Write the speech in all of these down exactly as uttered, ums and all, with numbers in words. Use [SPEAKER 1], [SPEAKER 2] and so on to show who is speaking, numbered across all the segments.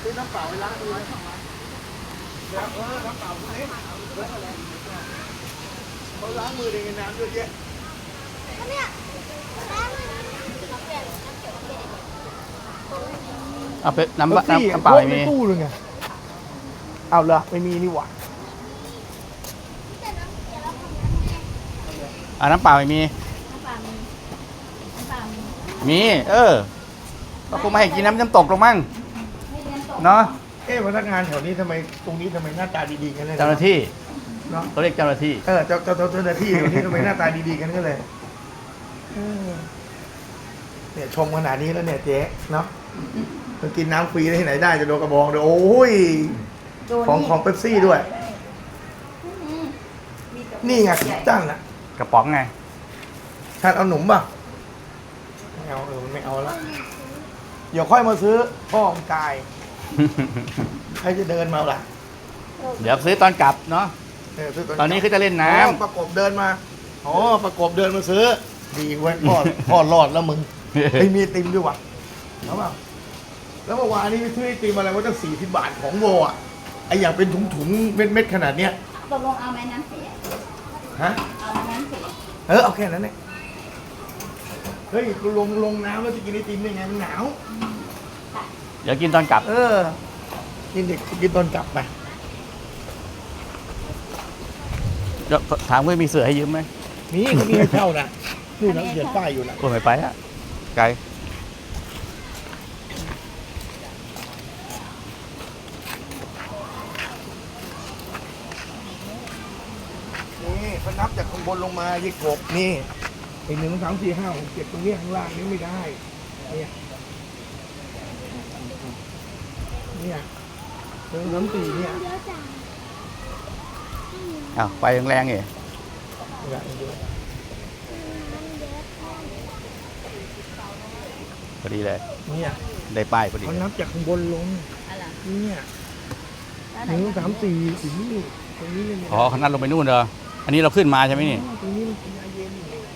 [SPEAKER 1] ซื้อน้ำเปล่าไปล้างมือแล้วเออน้ำเปล่าเล็กเขาล้างมือในน้ำเยอะแยะ
[SPEAKER 2] เนี่ย
[SPEAKER 3] เอาไปน้ำน้ำน้ำเปล่าไม่มี
[SPEAKER 1] ตู้เลยไงเอาเหรอไม่มีนี่หว่า
[SPEAKER 3] อ่าน้ำเปล่าไม่มี
[SPEAKER 2] น้ำปลามีน้ำปลามี
[SPEAKER 3] มี เออก็คงไม่ให้กินน้ำน้ำตกหรอกมั้งเนาะ
[SPEAKER 1] เอ๊ะพนักงานแถวนี้ทำไมตรงนี้ทำไมหน้าตาดีๆกันเลย
[SPEAKER 3] เจ้าหน้าที่
[SPEAKER 1] เนาะ
[SPEAKER 3] เขาเรียกเจ้าหน้าที่
[SPEAKER 1] เออเจ้าเจ้าเจ้าหน้าที่แถวนี้ทำไมหน้าตาดีๆกันก็เลยเนี่ยชมขนาดนี้แล้วเนี่ยเจ๊เนาะจะกินน้ำฟรีได้ที่ไหนได้จะโดนกระบองเลยโอ้ยของของเป๊ปซี่ด้วยนี่ไงจังน่ะ
[SPEAKER 3] กระป๋องไง
[SPEAKER 1] ท่านเอาหนุ่มป่ะไม่เอาเออมันไม่เอาละเดี๋ยวค่อยมาซื้อพ่อมกายใครจะเดินมาล่ะ
[SPEAKER 3] เดี๋ยวซื้อตอนกลับเนาะตอนนี้คือจะเล่นน้ำ
[SPEAKER 1] ประกบเดินมาอ๋อประกบเดินมาซื้อดีไว้พ่อพ่อรอดแล้วมึงไม่มีติมด้วยวะแล้วเปล่าแล้วเมื่อวานนี้ไปซื้อไอติมอะไรว่าตั้งสี่สิบบาทของโวอ่ะไออย่างเป็นถุงๆเม็ดๆขนาดเนี้ย
[SPEAKER 2] ตกลงเอาไหมน้ำเสีย
[SPEAKER 1] ฮะ
[SPEAKER 2] เอาน้ำเสีย
[SPEAKER 1] เออเอาแค่นั้นเนี่ยเฮ้ยกูลงลงน้ำแล้วจะกินไอติมได้ไงมันหนาว
[SPEAKER 3] เดี๋ยวกินตอนกลับ
[SPEAKER 1] เออกินเด็กกินตอนกลับไป
[SPEAKER 3] ถามว่ามีเสือให้ยืมไหม
[SPEAKER 1] มีเขามีให้เช่านะนี่นะเขียนป้ายอยู่นะ
[SPEAKER 3] โอ้ไม่ไปอะไกล
[SPEAKER 1] นี่พนับจากข้างบนลงมายี่หกนี่ไอ้หนึ่งสามสี่ห้าหกเจ็ดตรงนี้ข้างล่างนี้ไม่ได้เนี่ยเนี่ยหนึ่งสามสี่เนี่ย
[SPEAKER 3] อ้าวไปแรงๆเหรอพอดีเลย
[SPEAKER 1] เนี่ย
[SPEAKER 3] ได้ป้ายพอดี
[SPEAKER 1] เขานับจากข้างบนลงเนี่ยหนึ่งสามสี่ถึงนี่ตรงนี้เลย
[SPEAKER 3] อ๋อเขานัดลงไปนู่นเหรออันนี้เราขึ้นมาใช่ไหมนี่
[SPEAKER 1] ตรงนี้มันพญาเย็น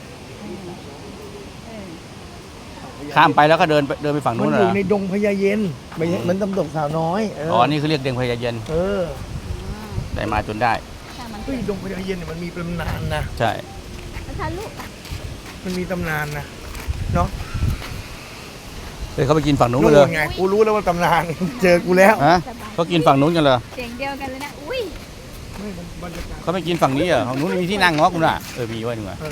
[SPEAKER 3] ข้ามไปแล้วก็เดินเดินไปฝั่งนู้นเหรอ
[SPEAKER 1] มันอยู่ในดงพญาเย็นไม่เหมือนตำตกสาวน้อย
[SPEAKER 3] อ๋อนี่คือเรียกดงพญาเย็น
[SPEAKER 1] เออ
[SPEAKER 3] ได้มาจนได้
[SPEAKER 1] เฮ้ยดงพญาเย็นเนี่ยมันมีตำนานนะ
[SPEAKER 3] ใช่
[SPEAKER 2] ลูก
[SPEAKER 1] มันมีตำนานนะเนาะ
[SPEAKER 3] เฮ้ยเขาไปกินฝั่งนู้นกันเลย
[SPEAKER 1] ไงกูรู้แล้วว่าตำนานเจอกูแล้ว
[SPEAKER 3] ฮะเขากินฝั่งนู้นกันเลย
[SPEAKER 2] เสียงเดียวกันเลยนะอุ้ย
[SPEAKER 3] เขาไม่กินฝั่งนี้เหรอฝั่งนู้นมีที่นั่งงอคุณอ่ะเออมีไว้หนึ่งอ่ะ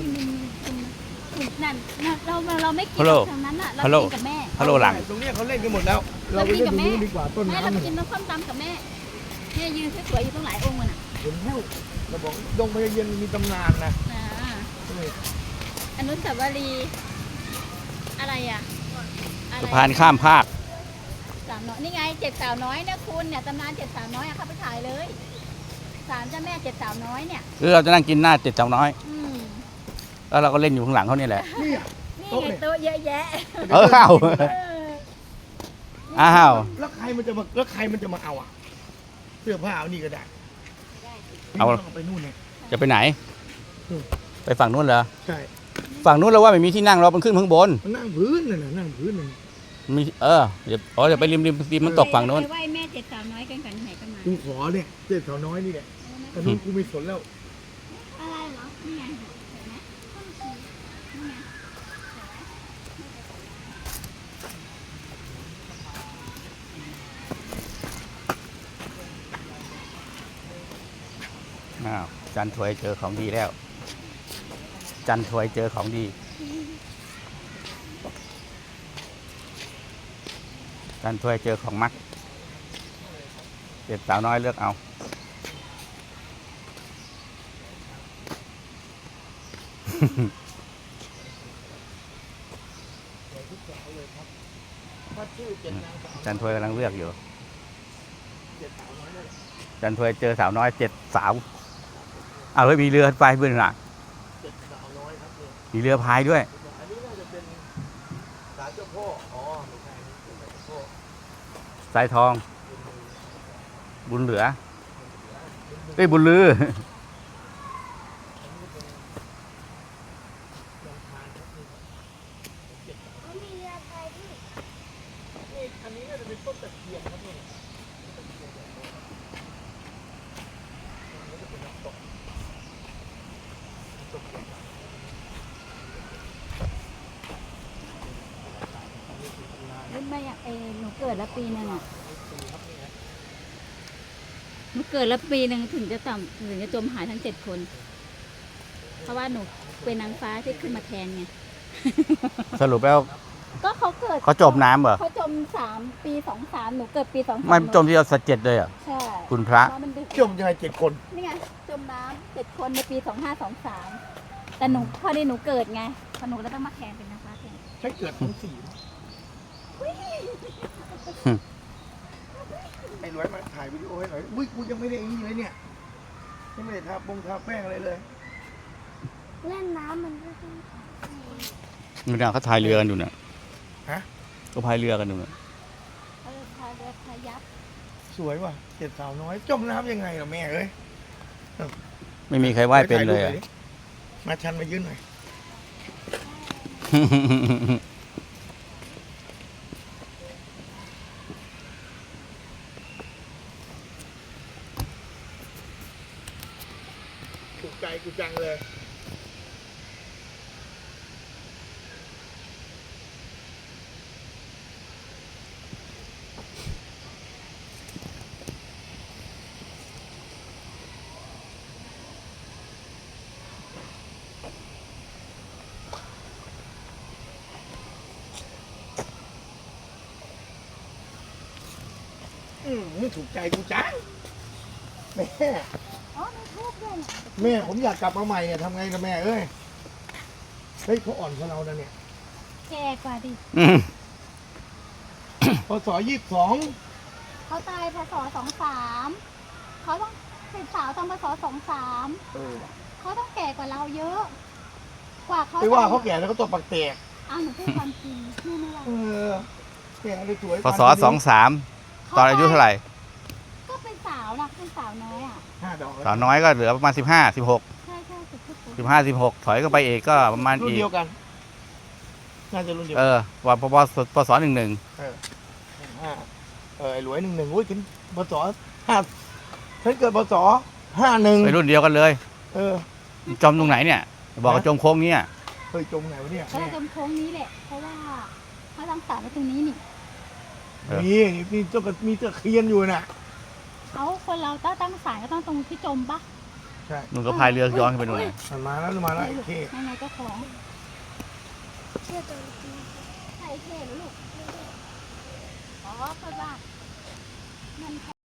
[SPEAKER 2] นั่นเราเราไม่กินทางนั้นอ่ะเรากินกับแม่
[SPEAKER 3] ฮัลโหลหลัง
[SPEAKER 1] ตรงนี้เขาเล่นกันหมดแล้วเราไปกินกับแม่ดีกว่าต้นน้ำ
[SPEAKER 2] เรากินน้ำส้มตำกับแม่แม่ยืนสวยๆอยู่ตรงหลายองค์มันอ่ะ
[SPEAKER 1] เห็นแล้วเราบอกดงพญาเย็นมีตำนานนะ
[SPEAKER 2] อนุสาวรีย์อะไรอ่ะ
[SPEAKER 3] สะพานข้ามภาค
[SPEAKER 2] สาวน้อยนี่ไงเจ็ดสาวน้อยเนี่ยคุณเนี่ยตำนานเจ็ดสาวน้อยอะเข้าไปถ่ายเลยศาลเจ้าแม่เจ็ดสาวน้อยเนี่ย
[SPEAKER 3] คือเราจะนั่งกินหน้าเจ็ดสาวน้อย
[SPEAKER 2] อืม
[SPEAKER 3] แล้วเราก็เล่นอยู่ข้างหลังเขานี่แหละ
[SPEAKER 1] นี่
[SPEAKER 2] ไงโต๊ะเยอะแยะ
[SPEAKER 3] เอออ้าวอ้าว
[SPEAKER 1] แล้วใครมันจะมาแล้วใครมันจะมาเอาอ่ะเสื้อผ้าเอานี่ก็ได้
[SPEAKER 3] เอา
[SPEAKER 1] ไปนู่นเนี่ย
[SPEAKER 3] จะไปไหนไปฝั่งนู้นเหรอ
[SPEAKER 1] ใช่
[SPEAKER 3] ฝั่งนู้นเราว่าไม่มีที่นั่งเราเป็นขึ้นข้างบน
[SPEAKER 1] มันนั่งพื้นน่ะนั่งพื้นน่ะ
[SPEAKER 3] มีเออเดี๋ยวอ๋อเดี๋ยวไปริมริมริมมันตกฝั่งนู้น
[SPEAKER 2] ไหว้แม่เจ็ดสาวน้อยกันกันไหนกันมา
[SPEAKER 1] กูขอเนี่ยเจ็ดสาวน้อยนี่แหละแต่นู้นกูไม่สนแล้ว
[SPEAKER 2] อะไรเหรอนี่ไง
[SPEAKER 3] อ้าวจันทวยเจอของดีแล้วจันทวยเจอของดีจันทวยเจอของมักเจ็ดสาวน้อยเลือกเอาจันทวยกำลังเลือกอยู่จันทวยเจอสาวน้อยเจ็ดสาวเอาเลยมีเรือพายเพื่อนหลังมีเรือพายด้วยสายทองบุญเหลือเอ้ยบุญลือ
[SPEAKER 1] อันนี้นี้น่าจะเป็นต้นตะเคียนครับเนี่ยนี่จะเป็นน้ำตกน้ำตกใหญ่
[SPEAKER 2] รุ่นไม่อะเออหนูเกิดแล้วปีหนึงอ่ะหนูเกิดแล้วปีหนึ่งถึงจะต่ำถึงจะจมหายทั้งเจ็ดคน เพราะว่าหนูเป็นนางฟ้าที่ขึ้นมาแทนไง
[SPEAKER 3] สรุปแล้ว
[SPEAKER 2] ก็เขาเกิด
[SPEAKER 3] เขาจมน้ำเหรอ
[SPEAKER 2] เขาจมสามปีสองสามหนูเกิดปีสองสาม
[SPEAKER 3] ไม่จมที่เราสะเจ็ดเลยเหรอ่ะ
[SPEAKER 2] ใช่
[SPEAKER 3] คุณพระ
[SPEAKER 2] เพราะมันดึก
[SPEAKER 1] จมยังไงเจ็ดคน
[SPEAKER 2] นี่ไงจมน้ำเจ็ดคนในปีสองห้าสองสามแต่หนูพอดีหนูเกิดไงพอหนูแล้วต้องมาแทนเป็นนางฟ้าแทน
[SPEAKER 1] ใช้เกิดทั้งสี่ไอ้รวยมาถ่ายวิดีโอให้หน่อยอุ้ยกูยังไม่ได้ไอ้นี่เลยเนี่ยยังไม่ได้ทาปงทาแป้งอะไรเลย
[SPEAKER 4] เล่นน้ำมันก็ต้อง
[SPEAKER 3] นี่นะเขาพายเรือกันอยู่เนี่ย
[SPEAKER 1] ฮะ
[SPEAKER 3] ก็พายเรือกันอยู่เนี่ย
[SPEAKER 2] เออพาเรือพายับ
[SPEAKER 1] สวยว่ะเจ็ดสาวน้อย จมน้ำยังไงล่ะแม่เอ้ย
[SPEAKER 3] ไม่มีใครว่ายเป็นเลยอ่ะ
[SPEAKER 1] มาชันมายืนหน่อยถูกใจกูจังเลย อืมไม่ถูกใจกูจังแม่
[SPEAKER 2] อ๋อมีทูบด้วยเนี่ย
[SPEAKER 1] แม่ผมอยากกลับมาใหม่เนี่ยทำไงนะแม่เอ้ย เฮ้ยเขาอ่อนกว่าเรานะเนี่ย
[SPEAKER 2] แก่กว่าดิ
[SPEAKER 3] อืม
[SPEAKER 1] พศยี่สิบสอง
[SPEAKER 2] เขาตายพศสองสามเขาต้องเป็นสาวตอนพศสองสาม
[SPEAKER 1] เออ
[SPEAKER 2] เขาต้องแก่กว่าเราเยอะ กว่าเขา
[SPEAKER 1] ไปว่าเขาแก่แล้วเขาตัวปักแตก
[SPEAKER 2] อ้าวหนูพูดความจริงนี่ไม่ว่า
[SPEAKER 1] เออแก่เลยสวย
[SPEAKER 3] พศสองสามตอนอายุเท่าไหร่
[SPEAKER 2] ก็เป็นสาวนะเป็นสาวน้อยอ่ะ
[SPEAKER 1] ห้าดอก
[SPEAKER 3] สาวน้อยก็เหลือประมาณสิบห้าสิบหก
[SPEAKER 2] ใช่ใช่สุดทุกคน
[SPEAKER 3] สิบห้าสิบหกถอยก็ไปเอกก็ประมาณ
[SPEAKER 1] รุ่น
[SPEAKER 3] อีก
[SPEAKER 1] เดียวกัน น่าจะรุ่นเดียว
[SPEAKER 3] เอ
[SPEAKER 1] กัน
[SPEAKER 3] อว่าพปปศหนึ่งหนึ่ง
[SPEAKER 1] เออห้าเออไอ้หลวยหนึ่งหนึ่งอุ้ยถึงพศห้าฉันเกิดพศห้าหนึ่ง
[SPEAKER 3] ไปรุ่นเดียวกันเลย
[SPEAKER 1] เออ
[SPEAKER 3] จมตรงไหนเนี่ย บอกว่าจมโค้งเนี้ย
[SPEAKER 1] เฮ้ยจมไหนวะเนี่ย
[SPEAKER 2] ก็เลยจมโค้งนี้แหละ เพราะว่าเขาตั้งศาลไว้ตรงนี้นี่
[SPEAKER 1] มีมีเจ้ากับมีตะเคียนอยู่น่ะ
[SPEAKER 2] เขาคนเราต้องตั้งศาลก็ต้องตรงที่จมปะ
[SPEAKER 1] ใช่
[SPEAKER 3] นุ่นก็พายเรือย้อนขึ้นไปดูน
[SPEAKER 1] มันมาแล้วมาแล้วโอเค
[SPEAKER 2] ยังไงก็ของ
[SPEAKER 4] เชื่อตัวจริง
[SPEAKER 2] ใช่เท่หรือลูกอ๋อเพราะว่ามัน